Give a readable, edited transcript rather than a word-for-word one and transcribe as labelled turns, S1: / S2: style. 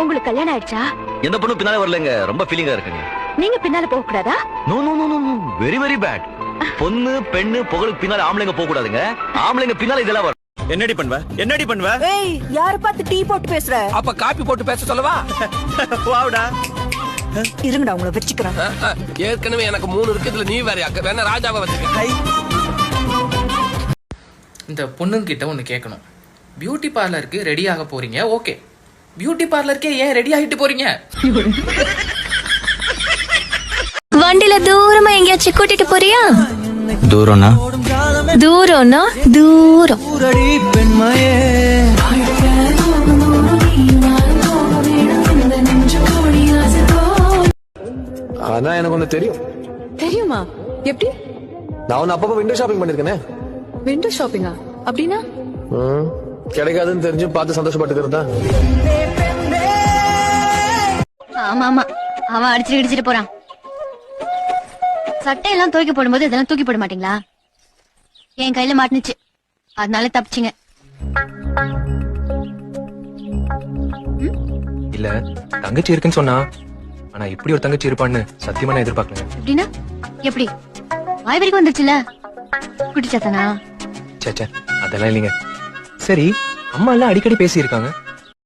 S1: உங்களுக்கு கல்யாணம் ஆயிடுச்சா?
S2: எந்த பொண்ணு பின்னால வரலங்க, ரொம்ப ஃபீலிங்கா இருக்குங்க.
S1: நீங்க பின்னால போக கூடாதா?
S2: No no no no, very very bad. பொண்ணு பெண்ணு புகழுக்கு பின்னால ஆம்பளைங்க போக கூடாதுங்க, ஆம்பளைங்க பின்னால இதெல்லாம் வரும்.
S3: என்னடி பண்ணுவ? என்னடி பண்ணுவ?
S4: ஏய், யார பார்த்து டீ போட்டு பேசுற?
S5: அப்ப காப்பி போட்டு பேச சொல்லவா?
S3: வாவுடா.
S4: இருங்கடா, உங்களை வெச்சுக்கிறேன்.
S5: ஏற்கனவே எனக்கு 3 இருக்கு, இதுல நீ வேற வேணா ராஜாவை வச்சுக்க.
S6: இந்த பொண்ணுங்கிட்ட ஒன்று கேட்கணும். பியூட்டி பார்லருக்கு ரெடி ஆக போறீங்க, ஓகே. பியூட்டி பார்லருக்கே ஏன் ரெடி ஆகிட்டு போறீங்க?
S1: வண்டியில தூரமா எங்கேயாச்சும் கூட்டிட்டு போறியா?
S2: தூரம்னா
S1: தூரம்னா தூரம்.
S7: ஆனா எனக்கு ஒண்ணு தெரியும்.
S8: தெரியுமா? எப்படி?
S7: நான் ஒன்னு அப்பப்ப விண்டோ ஷாப்பிங் பண்ணிருக்கேனே.
S8: விண்டோ ஷாப்பிங்கா? அப்படின்னா
S7: கிடைக்காதுன்னு தெரிஞ்சு பார்த்து சந்தோஷப்பட்டுக்கிறதா.
S1: ஆமா ஆமா, அவன் அடிச்சிட்டு போறான். சட்டையெல்லாம் துவைக்க போடும்போது இதெல்லாம் தூக்கி போட மாட்டீங்களா? என் கையில மாட்டுனுச்சு, அதனால தப்பிச்சிங்க.
S9: இல்ல தங்கச்சி இருக்குன்னு சொன்னா, ஆனா இப்படி ஒரு தங்கச்சி இருப்பான்னு சத்தியமா நான் எதிர்பார்க்கல.
S1: எப்படின்னா எப்படி? வாய் வரைக்கும் வந்துருச்சுல, குட்டிச்சாத்தானா?
S9: சேச்சே, அதெல்லாம் இல்லைங்க. சரி, அம்மா எல்லாம் அடிக்கடி பேசி இருக்காங்க,